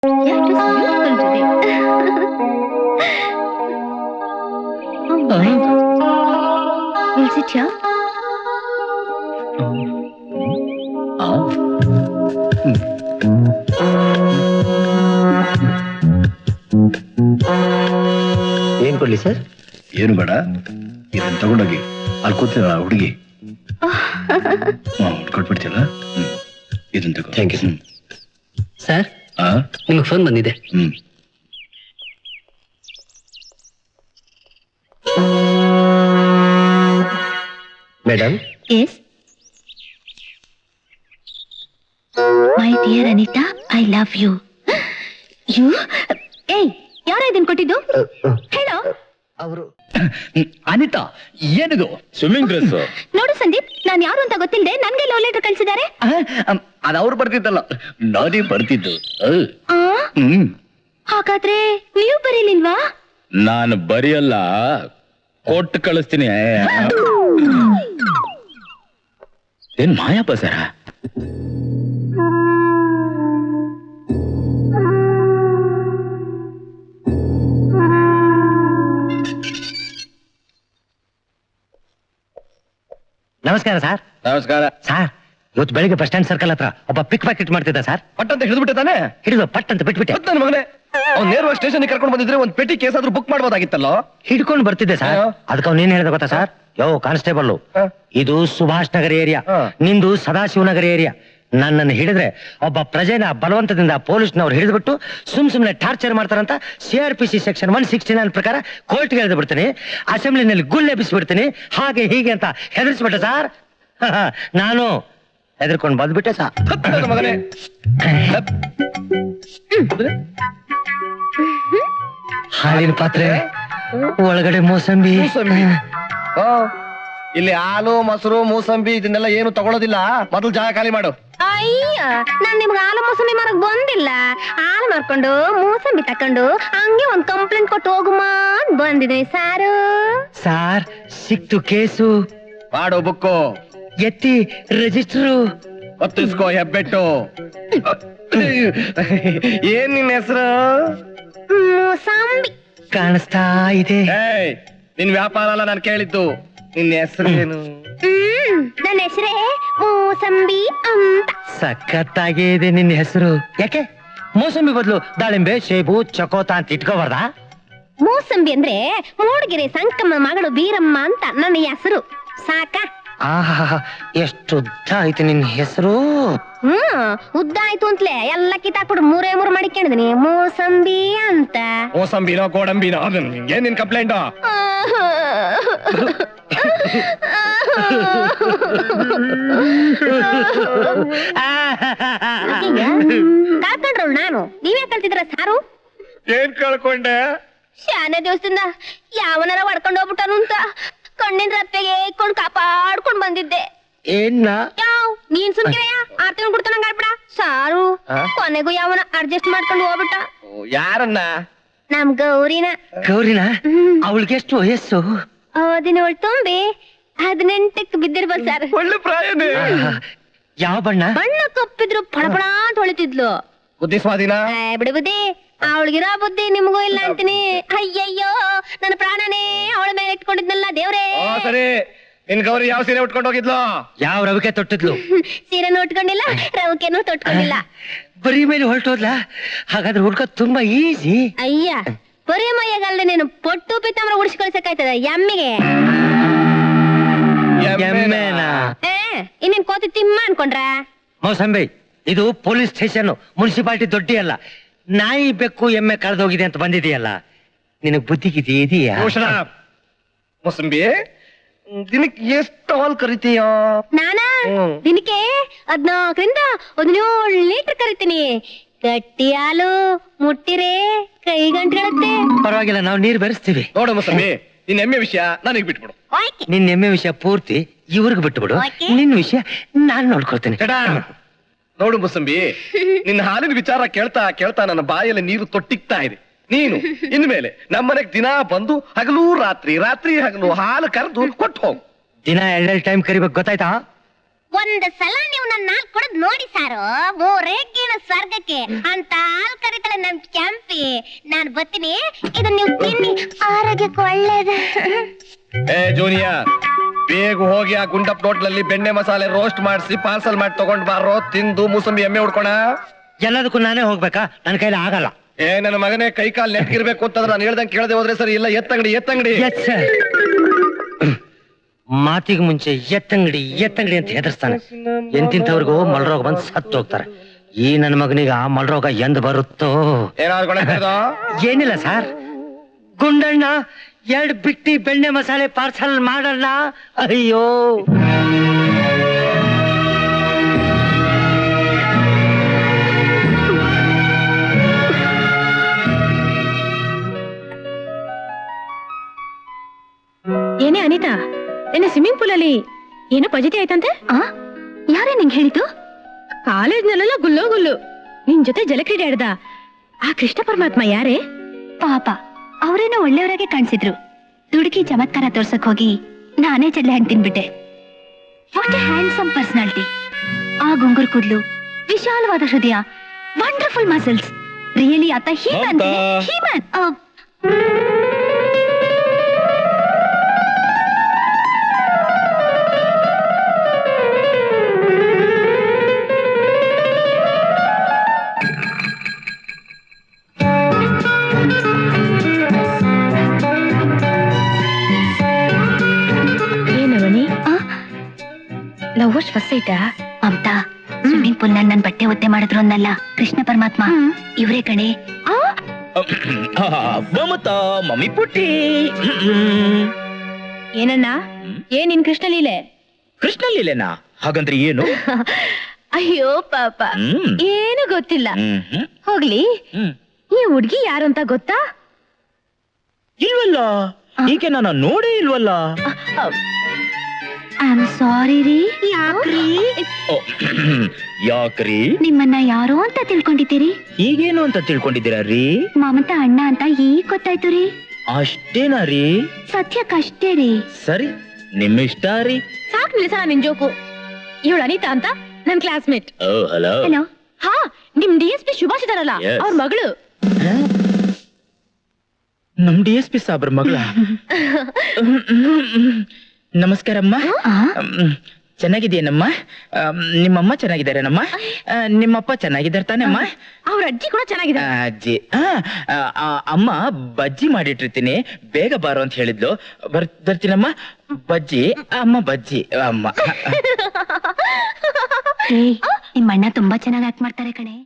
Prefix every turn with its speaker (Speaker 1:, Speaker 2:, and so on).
Speaker 1: Yeah, it was beautiful today. Oh my God. We'll sit here.
Speaker 2: ಏನ್ ಕೊಡ್ಲಿ sir?
Speaker 3: ಏನು ಬೇಡ, ಇದನ್ನ ತಗೊಂಡೋಗಿ ಅಲ್ಲಿ ಕೂತಿದ ಹುಡುಗಿ ಕೊಟ್ಬಿಡ್ತಿಲ್ಲ. ಇದನ್ನ ತಗೋ.
Speaker 2: Thank you sir. ನಿಮಗೆ ಫೋನ್ ಬಂದಿದೆ. Madam.
Speaker 1: Yes. My dear Anita, I love you. You? Hey, ಯಾರು ಇದನ್ನ ಕೊಟ್ಟಿದ್ದು? ಹೇಳೋ.
Speaker 2: ಅವರು
Speaker 3: ಅನಿತಾ, ಏನಿದು? Swimming dress.
Speaker 1: ನೋಡು ಸಂದೀಪ್, ನಾನು ಯಾರು ಅಂತ ಗೊತ್ತಿಲ್ಲದೆ ನನ್ಗೆ ಲವ್ ಲೆಟರ್ ಕಳ್ಸಿದ್ದಾರೆ.
Speaker 3: ಅದು ಅವ್ರು ಬರ್ತಿದ್ದಲ್ಲ, ನಾನೇ ಬರ್ತಿದ್ದು.
Speaker 1: ಹಾಗಾದ್ರೆ ನೀವು ಬರೀಲಿಲ್ವಾ?
Speaker 3: ನಾನು ಬರೆಯಲ್ಲ, ಕೊಟ್ಟು ಕಳಿಸ್ತೀನಿ. ಏನ್ ಮಾಯಪ್ಪ ಸರ?
Speaker 2: ನಮಸ್ಕಾರ ಸರ್.
Speaker 3: ನಮಸ್ಕಾರ
Speaker 2: ಸರ್, ಇವತ್ತು ಬೆಳಿಗ್ಗೆ ಬಸ್ ಸ್ಟ್ಯಾಂಡ್ ಸರ್ಕಲ್ ಹತ್ರ ಒಬ್ಬ ಪಿಕ್ ಪ್ಯಾಕೆಟ್ ಮಾಡ್ತಿದ್ದ ಸರ್.
Speaker 3: ಪಟ್ ಅಂತ ಹಿಡಿದ್ಬಿಟ್ಟೆ ತಾನೆ?
Speaker 2: ಹಿಡಿದು ಪಟ್ ಅಂತ ಬಿಟ್ಬಿಟ್ಟೆ.
Speaker 3: ನನ್ನ ಮಗನೇ, ಅವ್ನು ನೇರವಾಗಿ ಸ್ಟೇಷನ್ ಕರ್ಕೊಂಡು ಬಂದಿದ್ರೆ ಒಂದು ಪೆಟ್ಟಿ ಕೇಸ್ ಆದ್ರೂ ಬುಕ್ ಮಾಡ್ಬೋದಾಗಿತ್ತಲ್ಲ.
Speaker 2: ಹಿಡ್ಕೊಂಡು ಬರ್ತಿದ್ದೆ ಸರ್. ಅದಕ್ಕೆ ಅವ್ನು ಏನ್ ಹೇಳ್ದ ಗೊತ್ತಾ ಸರ್? ಯೋ ಕಾನ್ಸ್ಟೇಬಲ್, ಇದು ಸುಭಾಷ್ ನಗರ ಏರಿಯಾ, ನಿಂದು ಸದಾಶಿವನಗರ ಏರಿಯಾ. ನನ್ನನ್ನು ಹಿಡಿದ್ರೆ ಒಬ್ಬ ಪ್ರಜೆನ ಬಲವಂತದಿಂದ ಪೊಲೀಸ್ನವ್ರು ಹಿಡಿದ್ಬಿಟ್ಟು ಸುಮ್ನೆ ಟಾರ್ಚರ್ ಮಾಡ್ತಾರಂತ CRPC ಸೆಕ್ಷನ್ 169 ಪ್ರಕಾರ ಕೋರ್ಟ್ಗೆ ಎಳೆದು ಬಿಡ್ತೀನಿ, ಅಸೆಂಬ್ಲಿನಲ್ಲಿ ಗುಲ್ಲೆ ಬಿಸಿಬಿಡ್ತೀನಿ, ಹಾಗೆ ಹೀಗೆ ಅಂತ ಹೆದರ್ಸ್ಬಿಟ್ಟೆ ಸರ್. ನಾನು ಹೆದರ್ಕೊಂಡು ಬಂದ್ಬಿಟ್ಟೆ ಸರ್.
Speaker 3: ಮಗನೇ,
Speaker 2: ಹಾಲಿನ ಪಾತ್ರೆ ಒಳಗಡೆ ಮೋಸಂಬಿ.
Speaker 3: ಇಲ್ಲಿ ಹಾಲು, ಮೊಸರು, ಮೂಸಂಬಿ ಇದನ್ನೆಲ್ಲ ಏನು ತಗೊಳ್ಳೋದಿಲ್ಲ. ಮೊದಲು ಜಾಗ ಖಾಲಿ ಮಾಡು.
Speaker 1: ಅಯ್ಯ, ನಾನ್ ನಿಮ್ಗೆ ಹಾಲು ಮೂಸಂಬಿ ಮಾರಕ್ ಬಂದಿಲ್ಲ. ಹಾಲು ಮಾರ್ಕೊಂಡು ಮೂಸಂಬಿ ತಕೊಂಡು ಹಂಗೆ ಒಂದ್ ಕಂಪ್ಲೇಂಟ್ ಕೊಟ್ಟು ಹೋಗುಮಾ ಅಂತ ಬಂದಿದ್ದೀನಿ ಸಾರು.
Speaker 2: ಸಾರ್, ಸಿಕ್ತು ಕೇಸು.
Speaker 3: ಮಾಡು ಬುಕ್ಕು,
Speaker 2: ಎತ್ತಿ ರಿಜಿಸ್ಟ್ರು.
Speaker 3: ಒತ್ತಿಸ್ಕೋ ಹೆಬ್ಬೆಟ್ಟು. ಏನ್ ನಿನ್ ಹೆಸರು?
Speaker 1: ಮೂಸಂಬಿ
Speaker 2: ಕಾಣಿಸ್ತಾ ಇದೆ.
Speaker 3: ನಿನ್ ವ್ಯಾಪಾರ ಅಲ್ಲ ನಾನು ಕೇಳಿದ್ದು. ನಿನ್ನ ಹೆಸರು ಏನು?
Speaker 1: ನನ್ನ ಹೆಸರೇ ಮೂಸಂಬಿ ಅಂತ.
Speaker 2: ಸಖತ್ತಾಗೇ ಇದೆ ನಿನ್ನ ಹೆಸರು. ಯಾಕೆ ಮೋಸಂಬಿ ಬದಲು ದಾಳಿಂಬೆ, ಸೇಬು, ಚಕೋತ ಅಂತ ಇಟ್ಕೋಬಾರ್ದ?
Speaker 1: ಮೂಸಂಬಿ ಅಂದ್ರೆ ಮೂಡಿಗೆರೆ ಸಂಕಮ್ಮ ಮಗಳು ಬೀರಮ್ಮ ಅಂತ ನನ್ನ ಹೆಸರು. ಸಾಕ?
Speaker 2: ಆಹಾ, ಎಷ್ಟು ಉದ್ದ ಆಯ್ತು ನಿನ್ನ ಹೆಸರು.
Speaker 1: ಉದ್ದ ಆಯ್ತು ಅಂತಲೇ ಎಲ್ಲ ಕಿತ್ತಾಕ್ಬಿಟ್ಟು 3 ಮಾಡಿಕೊಂಡಿದೀನಿ ಮೂಸಂಬಿ ಅಂತ.
Speaker 3: ಮೋಸಂಬಿನೋ ಗೋಡಂಬಿನೋ ಏನ್ ನಿನ್ ಕಂಪ್ಲೇಂಟ್?
Speaker 1: ಕಳ್ಕೊಂಡ್ರು ನಾನು. ನೀವೇ ಕಲ್ತಿದ್ರ ಸಾರು?
Speaker 3: ಏನ್ ಕಳ್ಕೊಂಡೆ?
Speaker 1: ಶಾನೆ ದಿವಸದಿಂದ ಯಾವನಾರ ಹೊಡ್ಕೊಂಡು ಹೋಗ್ಬಿಟ್ಟನು ಅಂತ ಕಣ್ಣಿನ ರಪ್ಪೆಗೆ ಇಟ್ಕೊಂಡು ಕಾಪಾಡ್ಕೊಂಡ್ ಬಂದಿದ್ದೆ.
Speaker 2: ಏನ್ನ
Speaker 1: ನೀನ್ ಸುಮ್ಕಿರಯ್ಯ, 6 ತಿಂಗಳು ಬಿಡ್ತಾನಂಗ ಆಡ್ಬಿಡ ಸಾರು. ಕೊನೆಗೂ ಯಾವನ ಅಡ್ಜಸ್ಟ್ ಮಾಡ್ಕೊಂಡು ಹೋಗ್ಬಿಟ್ಟ.
Speaker 3: ಯಾರನ್ನ?
Speaker 1: ನಮ್ ಗೌರಿನ.
Speaker 2: ಗೌರಿನ? ಅವಳಿಗೆ ಎಷ್ಟು ವಯಸ್ಸು?
Speaker 1: 17 ತುಂಬಿ 18ಕ್ಕೆ ಬಿದ್ದಿರ್ಬೋದು ಸರ್.
Speaker 3: ಒಳ್ಳೆ ಪ್ರಾಯನೇ.
Speaker 2: ಯಾವ ಬಣ್ಣ?
Speaker 1: ಬಣ್ಣ ಕಪ್ಪಿದ್ರು ಫಳಫಳ ಅಂತ ಹೊಳಿತಿದ್ಲು.
Speaker 3: ಬುದ್ಧಿ ಸ್ವಾಧೀನ?
Speaker 1: ಬಿಡಿ ಬುದ್ಧಿ, ಅವಳಿಗಿರೋ ಬುದ್ಧಿ ನಿಮ್ಗೂ ಇಲ್ಲ ಅಂತೀನಿ. ಅಯ್ಯಯ್ಯೋ, ನನ್ನ ಪ್ರಾಣನೇ ಅವಳ ಮೇಲೆ ಇಟ್ಕೊಂಡಿದ್ನಲ್ಲ ದೇವ್ರೇ.
Speaker 3: ಸರಿ, ನಿನ್ ಗೌರಿ ಯಾವ ಸೀರೆ ಉಟ್ಕೊಂಡು ಹೋಗಿದ್ಲು?
Speaker 2: ಯಾವ ರವಿಕೆ ತೊಟ್ಟಿದ್ಲು?
Speaker 1: ಸೀರೆನೂ ಉಟ್ಕೊಂಡಿಲ್ಲ, ರವಿಕೆನೂ ತೊಟ್ಕೊಂಡಿಲ್ಲ.
Speaker 2: ಬರೀ ಮೇಲೆ ಹೊರಟೋದ್ಲ? ಹಾಗಾದ್ರೆ ಹುಡ್ಕೋದ್ ತುಂಬಾ ಈಸಿ.
Speaker 1: ಅಯ್ಯ, ಬರೀ ಮೈಯಾಗಲ್ದೆ ನೀನು ಪೊಟ್ಟು ಪಿತ್ತಂಬ್ರ ಉಡಿಸಿ ಕಳ್ಸಕ್ಕಾಯ್ತದ ಎಮ್ಮಿಗೆ?
Speaker 2: ಎಮ್ಮೆನಾ?
Speaker 1: ಇನ್ನೇನ್ ಕೋತಿ ತಿಮ್ಮ ಅನ್ಕೊಂಡ್ರ?
Speaker 2: ಮೋಸಂಬಿ, ಇದು ಪೊಲೀಸ್ ಸ್ಟೇಷನ್, ಮುನ್ಸಿಪಾಲಿಟಿ ದೊಡ್ಡಿ ಅಲ್ಲ. ನಾಯಿ ಬೆಕ್ಕು ಎಮ್ಮೆ ಕಳೆದೋಗಿದೆ ಅಂತ ಬಂದಿದೆಯಲ್ಲ, ನಿನಗ್ ಬುದ್ಧಿಗಿದೆಯಾ? ಇದೆಯಾ?
Speaker 3: ಮೋಸಂಬಿ, ದಿನಕ್ಕೆ ಎಷ್ಟು ಹಾಲ್ ಕರಿತೀಯ?
Speaker 1: ನಾನಾ ದಿನಕ್ಕೆ 14ರಿಂದ 17 ಲೀಟರ್ ಕರಿತೀನಿ. ಗಟ್ಟಿ ಹಾಲು ಮುಟ್ಟಿರೆ ಕೈ ಗಂಟುಗಳತ್ತೆ.
Speaker 2: ಪರವಾಗಿಲ್ಲ, ನಾವು ನೀರು ಬೆರೆಸ್ತೀವಿ.
Speaker 3: ನೋಡು ಮೋಸಂಬಿ, ನಿನ್ ಎಮ್ಮೆ ವಿಷಯ ನನಗ್ ಬಿಟ್ಬಿಡು.
Speaker 2: ನಿನ್ ಎಮ್ಮೆ ವಿಷಯ ಪೂರ್ತಿ ಇವ್ರಿಗೆ ಬಿಟ್ಬಿಡು. ನಿನ್ ವಿಷಯ ನಾನ್ ನೋಡ್ಕೊಳ್ತೇನೆ.
Speaker 3: ನೋಡು ಮೋಸಂಬಿ, ನಿನ್ನ ಹಾಲಿನ ವಿಚಾರ ಕೇಳ್ತಾ ಕೇಳ್ತಾ ನನ್ನ ಬಾಯಲ್ಲಿ ನೀರು ತೊಟ್ಟಿಗ್ತಾ ಇದೆ. ನೀನು ಇನ್ಮೇಲೆ ನಮ್ಮನೆಗ್ ದಿನ ಬಂದು ಹಗಲು ರಾತ್ರಿ, ರಾತ್ರಿ ಹಗಲು ಹಾಲು ಕರೆದು ಕೊಟ್ಟು ಹೋಗು.
Speaker 2: ದಿನ 2 ಟೈಮ್ ಕರಿಬೇಕು, ಗೊತ್ತಾಯ್ತಾ?
Speaker 1: ಒಂದ್ ಸಲ ನೀವು ನನ್ನ ಹಾಲ್ ಕುಡಿದ್ ನೋಡಿ ಸಾರು ಮೂರೇಕಿನ ಸ್ವರ್ಗಕ್ಕೆ ಅಂತ ಹಾಲ್ ಕರಿತಾಳೆ ನಮ್ ಕ್ಯಾಂಪಿ. ನಾನ್ ಬರ್ತೀನಿ, ಇದನ್ನ ನೀವು ತಿನ್ನಿ, ಆರೋಗ್ಯಕ್ಕೆ ಒಳ್ಳೇದು.
Speaker 3: ಏ ಜೂನಿಯರ್, ಬೇಗ ಹೋಗಿ ಆ ಗುಂಡಪ್ ಹೋಟ್ಲಲ್ಲಿ ಬೆಣ್ಣೆ ಮಸಾಲೆ ರೋಸ್ಟ್ ಮಾಡಿಸಿ ಪಾರ್ಸಲ್ ಮಾಡಿ ತಗೊಂಡ್ ಬಾರೋ, ತಿಂದು ಮೂಸಂಬಿ ಎಮ್ಮೆ ಉಡ್ಕೋಣ.
Speaker 2: ಎಲ್ಲದಕ್ಕೂ ನಾನೇ ಹೋಗ್ಬೇಕಾ? ನನ್ನ ಕೈಲಿ ಆಗಲ್ಲ.
Speaker 3: ಏ ನನ್ನ ಮಗನೇ, ಕೈ ಕಾಲ್ ನೆಟ್ಗಿರ್ಬೇಕು ಅಂತಂದ್ರೆ ನಾನು ಹೇಳ್ದಂಗೆ ಕೇಳದೆ ಹೋದ್ರೆ ಸರಿ. ಇಲ್ಲ, ಎತ್ತಂಗಡಿ.
Speaker 2: ಮಾತಿಗೆ ಮುಂಚೆ ಎತ್ತಂಗಡಿ ಅಂತ ಹೆದರ್ಸ್ತಾನೆ. ಎಂತಿಂತವ್ರಿಗೂ ಮಲ್ರೋಗ ಬಂದು ಸತ್ತು ಹೋಗ್ತಾರೆ. ಈ ನನ್ನ ಮಗನಿಗೆ ಆ ಮಲ್ರೋಗ ಎಂದ್ ಬರುತ್ತೋ? ಏನಿಲ್ಲ ಸರ್, ಗುಂಡಣ್ಣ 2 ಬಿಟ್ಟಿ ಬೆಣ್ಣೆ ಮಸಾಲೆ ಪಾರ್ಸಲ್ ಮಾಡಲ್ಲ. ಅಯ್ಯೋ,
Speaker 1: ಏನೇ ಅನಿತಾ, ನಿನ್ನೆ ಸ್ವಿಮ್ಮಿಂಗ್ ಪೂಲ್ ಅಲ್ಲಿ ಏನೋ ಪಜಿತಿ ಆಯ್ತಂತೆ? ಯಾರೇ ನಿಂಗೆ ಹೇಳಿದ್ದು? ಕಾಲೇಜ್ನಲ್ಲೆಲ್ಲ ಗುಲ್ಲು ನಿನ್ ಜೊತೆ ಜಲಕ್ರೀಡೆ ಆಡ್ದ ಆ ಕೃಷ್ಣ ಪರಮಾತ್ಮ ಯಾರೇ? ಪಾಪ, ಅವರೇನೋ ಒಳ್ಳೆಯವರಾಗೆ ಕಾಣಿಸಿದ್ರು. ದುಡುಕಿ ಚಮತ್ಕಾರ ತೋರ್ಸಕ್ ಹೋಗಿ ನಾನೇ ಚಡ್ಲೆ ಹಣ್ಣು ತಿನ್ಬಿಟ್ಟೆ. What a handsome personality. ಆ ಗುಂಗುರು ಕೂದ್ಲು, ವಿಶಾಲವಾದ ಹೃದಯ, ವಂಡರ್ಫುಲ್ ಮಸಲ್ಸ್. ರಿಯಲಿ ಆತ ಹೀಮನ್. ಲವರ್ಸ್ ಫಸ್ಟ್ ಸೈಟಾ? ಮಮತಾ, ಸ್ವಿಮ್ಮಿಂಗ್ ಪೂಲ್ ನನ್ ಬಟ್ಟೆ ಒತ್ತೆ ಮಾಡಿದ್ರು ಅನ್ನಲ್ಲ ಕೃಷ್ಣ ಪರಮಾತ್ಮ ಇವ್ರೇ ಕಣೆ.
Speaker 4: ಮಮತಾ ಮಮ್ಮಿ ಪುಟ್ಟಿ.
Speaker 1: ಏನಣ್ಣ, ಏನ್ ನಿನ್ ಕೃಷ್ಣ ಲೀಲೆ?
Speaker 4: ಕೃಷ್ಣ ಲೀಲೆನಾ? ಹಾಗಂದ್ರೆ ಏನು?
Speaker 1: ಅಯ್ಯೋ ಪಾಪ, ಏನು ಗೊತ್ತಿಲ್ಲ. ಹೋಗ್ಲಿ, ಈ ಹುಡ್ಗಿ ಯಾರು ಅಂತ ಗೊತ್ತಾ?
Speaker 4: ಇಲ್ವಲ್ಲ, ಈಗ ನಾನು ನೋಡೇ ಇಲ್ವಲ್ಲ.
Speaker 1: ಐ ಆಮ್ ಸಾರಿ ರೀ. ಯಾಕ್ರಿ?
Speaker 4: ಯಾಕ್ರಿ?
Speaker 1: ನಿಮ್ಮನ್ನ ಯಾರೋ ಅಂತ ತಿಳ್ಕೊಂಡಿದ್ದೀರಿ.
Speaker 4: ಈಗೇನು ಅಂತ ತಿಳ್ಕೊಂಡಿದ್ದೀರಾ ರೀ?
Speaker 1: ಮಮತಾ ಅಣ್ಣ ಅಂತ ಈಗ ಗೊತ್ತಾಯ್ತು ರೀ.
Speaker 4: ಅಷ್ಟೇನಾ ರೀ?
Speaker 1: ಸತ್ಯಕ್ಕಷ್ಟೇ ರೀ.
Speaker 4: ಸರಿ, ನಿಮ್ಮಿಷ್ಟ ರೀ.
Speaker 1: ಸಾಕ್ ನಿಲ್ಸಣ ನಿನ್ ಜೋಕು. ಇವಳು ಅನಿತಾ ಅಂತ ನನ್ ಕ್ಲಾಸ್ಮೇಟ್.
Speaker 4: ಹಲೋ.
Speaker 1: ಹಲೋ. ಹಾ, ನಿಮ್ DSP ಸುಭಾಷ್ ಇದಾರಲ್ಲ, ಅವ್ರ ಮಗಳು.
Speaker 4: ನಮ್ DSP ಸಾಬ್ರ ಮಗಳ? ನಮಸ್ಕಾರಮ್ಮ. ಚೆನ್ನಾಗಿದೆಯೇನಮ್ಮ? ನಿಮ್ಮಮ್ಮ ಚೆನ್ನಾಗಿದ್ದಾರೇನಮ್ಮ? ನಿಮ್ಮಪ್ಪ ಚೆನ್ನಾಗಿದ್ದಾರೆ ತಾನಮ್ಮ?
Speaker 1: ಅವ್ರ ಅಜ್ಜಿ ಕೂಡ ಚೆನ್ನಾಗಿದೆ.
Speaker 4: ಅಜ್ಜಿ ಅಮ್ಮ ಬಜ್ಜಿ ಮಾಡಿಟ್ಟಿರ್ತೀನಿ, ಬೇಗ ಬಾರೋ ಅಂತ ಹೇಳಿದ್ಲು. ಬರ್ತೀನಮ್ಮ. ಬಜ್ಜಿ ಅಮ್ಮ, ಬಜ್ಜಿ ಅಮ್ಮ.
Speaker 1: ನಿಮ್ಮ ಅಣ್ಣ ತುಂಬಾ ಚೆನ್ನಾಗಿ ಆಕ್ಟ್ ಮಾಡ್ತಾರೆ ಕಣೆ.